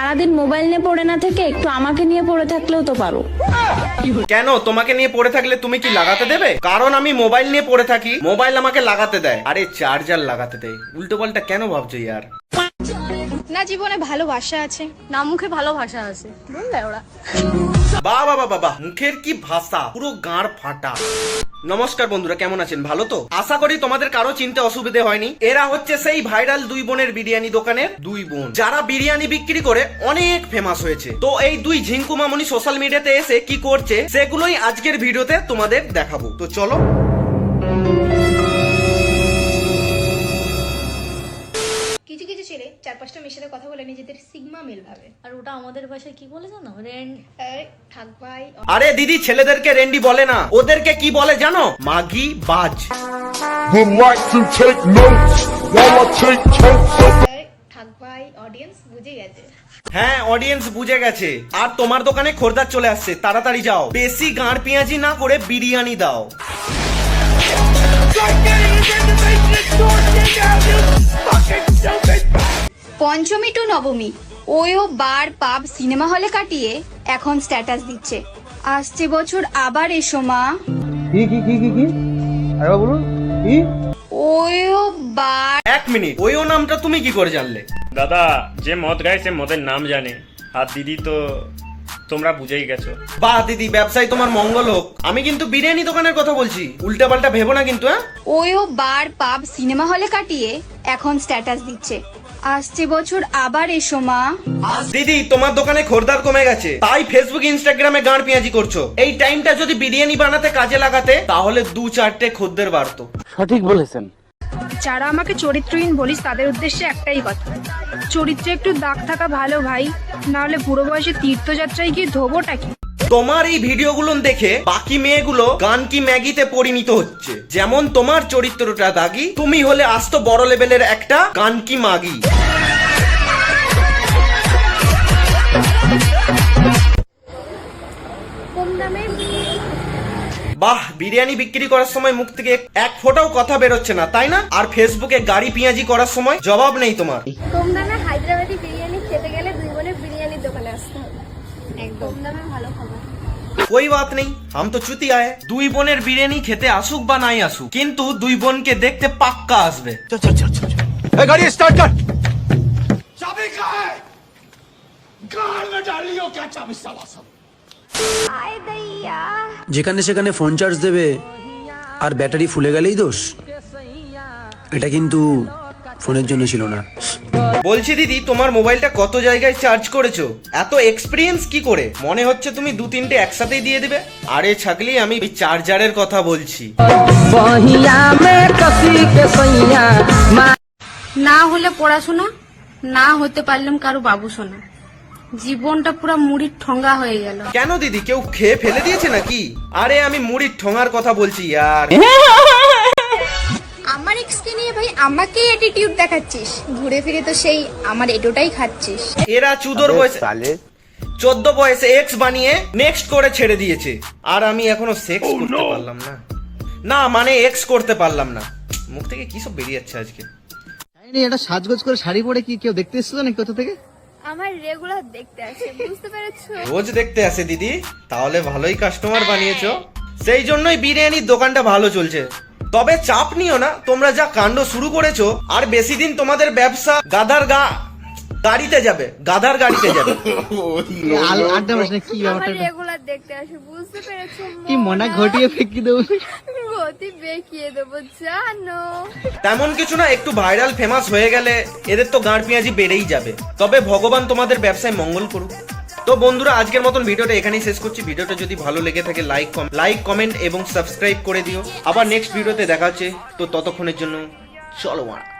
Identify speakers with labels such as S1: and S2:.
S1: সারাদিন মোবাইল নিয়ে পড়ে না থেকে একটু আমাকে নিয়ে পড়ে থাকলেও তো পারো।
S2: কেন তোমাকে নিয়ে পড়ে থাকলে তুমি কি লাগাতে দেবে? কারণ আমি মোবাইল নিয়ে পড়ে থাকি, মোবাইল আমাকে লাগাতে দেয়। আরে চার্জার লাগাতে দেয়, উল্টো পাল্টা কেন ভাবছো ইয়ার?
S3: না জীবনে ভালোবাসা আছে, না মুখে ভালোবাসা আছে, বুঝলে ওরা।
S2: বাহ বাহ বাহ বাহ, মুখের কি ভাষা, পুরো গাঁড় ফাটা। নমস্কার বন্ধুরা, কেমন আছেন? ভালো তো? আশা করি তোমাদের কারো চিনতে অসুবিধে হয়নি। এরা হচ্ছে সেই ভাইরাল দুই বোনের বিরিয়ানি দোকানের দুই বোন, যারা বিরিয়ানি বিক্রি করে অনেক ফেমাস হয়েছে। তো এই দুই ঝিঙ্কু মামুনি সোশ্যাল মিডিয়াতে এসে কি করছে সেগুলোই আজকের ভিডিওতে তোমাদের দেখাবো। তো চলো।
S3: কিছু কিছু ছেলে 4-5টা মেয়ের সাথে কথা বলে নিজেদের সিগমা মেল ভাবে,
S4: আর ওটা আমাদের ভাষায় কি বলে জানো?
S3: থাক ভাই।
S2: আরে দিদি, ছেলেদেরকে রেন্ডি বলে না, ওদেরকে কি বলে জানো? মাগি বাজ।
S5: would like to take notes while I take totes of
S3: থাক ভাই, অডিয়েন্স বুঝে গেছে।
S2: হ্যাঁ, অডিয়েন্স বুঝে গেছে। আর তোমার দোকানে খোরদার চলে আসছে, তাড়াতাড়ি যাও, বেশি গাঁড় পেঁয়াজি না করে বিরিয়ানি দাও।
S3: পঞ্চমী টু নবমী ওয়ো বার পাব সিনেমা হলে কাটিয়ে এখন স্ট্যাটাস দিচ্ছে, আসছে বছর আবার এসো মা।
S6: কি আরে বলুন কি?
S3: ওয়ো বার।
S2: এক মিনিট, ওই ও নামটা তুমি কি করে জানলে?
S7: দাদা যে মদ গায় সে মদের নাম জানে, আর দিদি তো তোমরা বুঝেই গেছো।
S2: বাহ দিদি, ব্যবসায় তোমার মঙ্গল হোক। আমি কিন্তু বিরিয়ানি দোকানের কথা বলছি, উল্টা পাল্টা ভেবো না কিন্তু। হ্যাঁ,
S3: ওয়ো বার পাব সিনেমা হলে কাটিয়ে এখন স্ট্যাটাস দিচ্ছে, আসছে বছর আবার এসো মা।
S2: দিদি তোমার দোকানে খোরদার কমে গেছে, তাই ফেসবুক ইনস্টাগ্রামে গাঁড় পেঁয়াজি করছো। এই টাইমটা যদি বিরিয়ানি বানাতে কাজে লাগাতে তাহলে 2-4টে খদ্দের বাড়তো।
S6: সঠিক বলেছেন।
S8: যারা আমাকে চরিত্রহীন বলিস তাদের উদ্দেশ্যে একটাই কথা, চরিত্রে একটু দাগ থাকা ভালো ভাই, না হলে বুড়ো বয়সে তীর্থযাত্রায় গিয়ে ধোবোটা কি?
S2: তোমার এই ভিডিওগুলো দেখে বাকি মেয়েগুলো গান কি ম্যাগিতে পরিণত হচ্ছে। যেমন তোমার চরিত্রটা দাগি, তুমি হলে আস্ত বড় লেভেলের একটা গান কি মাগি। বাহ, বিরিয়ানি বিক্রি করার সময় মুখ থেকে এক ফোঁটাও কথা বেরোচ্ছে না, তাই না? আর ফেসবুকে গাড়ি পেঁয়াজি করার সময় জবাব নেই তোমার।
S9: কম দামে হায়দ্রাবাদি বিরিয়ানি খেতে গেলে দুই বোনের বিরিয়ানির দোকানে আসতে হবে, একদম দামে ভালো খাবার।
S2: कोई बात नहीं, हम तो चुतिया है। দুই বোনের বিরিয়ানি খেতে আসুক বা নাই আসুক, কিন্তু দুই বোনকে দেখতে পাক্কা আসবে।
S5: गाड़ी स्टार्ट कर। चाबी कहाँ है? गाड़ में डालियो क्या चाबी साला सब।
S9: আয় দইয়া
S10: যেখানে সেখানে ফোন চার্জ দেবে আর ব্যাটারি ফুলে গেলেই দোষ, এটা কিন্তু ফোনের জন্য ছিল না।
S2: বলছি দিদি, তোমার মোবাইলটা কত জায়গায় চার্জ করেছো? এত এক্সপিরিয়েন্স কি করে? মনে হচ্ছে তুমি 2-3টে একসাথেই দিয়ে দিবে। আরে ছাগলি, আমি চার্জারের কথা বলছি।
S8: না হলে পড়াশোনা, না হতে পারলাম কারো বাবু সোনা, জীবনটা পুরো মুড়ির ঠঙ্গা হয়ে গেল।
S2: কেন দিদি, কেউ খেয়ে ফেলে দিয়েছে নাকি? আরে আমি মুড়ির ঠোঙার কথা বলছি ইয়ার।
S3: আমার এক্সকে নিয়ে ভাই আমাকে অ্যাটিটিউড দেখাচ্ছিস, ঘুরে ফিরে তো সেই আমার এটোটাই খাচ্ছিস।
S2: এরা চুদর বয়সে 14 বয়সে এক্স বানিয়ে নেক্সট করে ছেড়ে দিয়েছে, আর আমি এখনো সেক্স করতে পারলাম না। না মানে এক্স করতে পারলাম না। মুখ থেকে কি সব বেরিয়ে যাচ্ছে আজকে।
S6: এটা সাজগোজ করে শাড়ি পরে কি কেউ দেখতে এসেছিল নাকি কোথা থেকে?
S9: আমার রেগুলার দেখতে আসে, বুঝতে পেরেছো?
S2: রোজ দেখতে আসে দিদি, তাহলে ভালোই কাস্টমার বানিয়েছো। সেই জন্যই বিরিয়ানির দোকানটা ভালো চলছে। তবে চাপ নিও না, তোমরা যা কাণ্ড শুরু করেছো, আর বেশি দিন তোমাদের ব্যবসা গাড়িতে যাবে, গাধার গাড়িতে যাবে।
S6: আড্ডা বসে কি
S9: আমার
S6: ব্যাপারটা?
S9: রেগুলার দেখতে আসে, বুঝতে পেরেছো?
S6: কি মনা ঘটিয়ে ফেঁকি দেবো?
S9: গতি বেঁকিয়ে দেবো জানো।
S2: তেমন কিছু না, একটু ভাইরাল ফেমাস হয়ে গেলে এদের তো গাঁড় পেঁয়াজি বেড়েই যাবে। তবে ভগবান তোমাদের ব্যবসায় মঙ্গল করুক। তো বন্ধুরা, আজকের মতন ভিডিওটা এখানেই শেষ করছি। ভিডিওটা যদি ভালো লেগে থাকে লাইক কমেন্ট এবং সাবস্ক্রাইব করে দিও। আবার নেক্সট ভিডিওতে দেখা হচ্ছে। তো ততক্ষণের জন্য চলো মারা।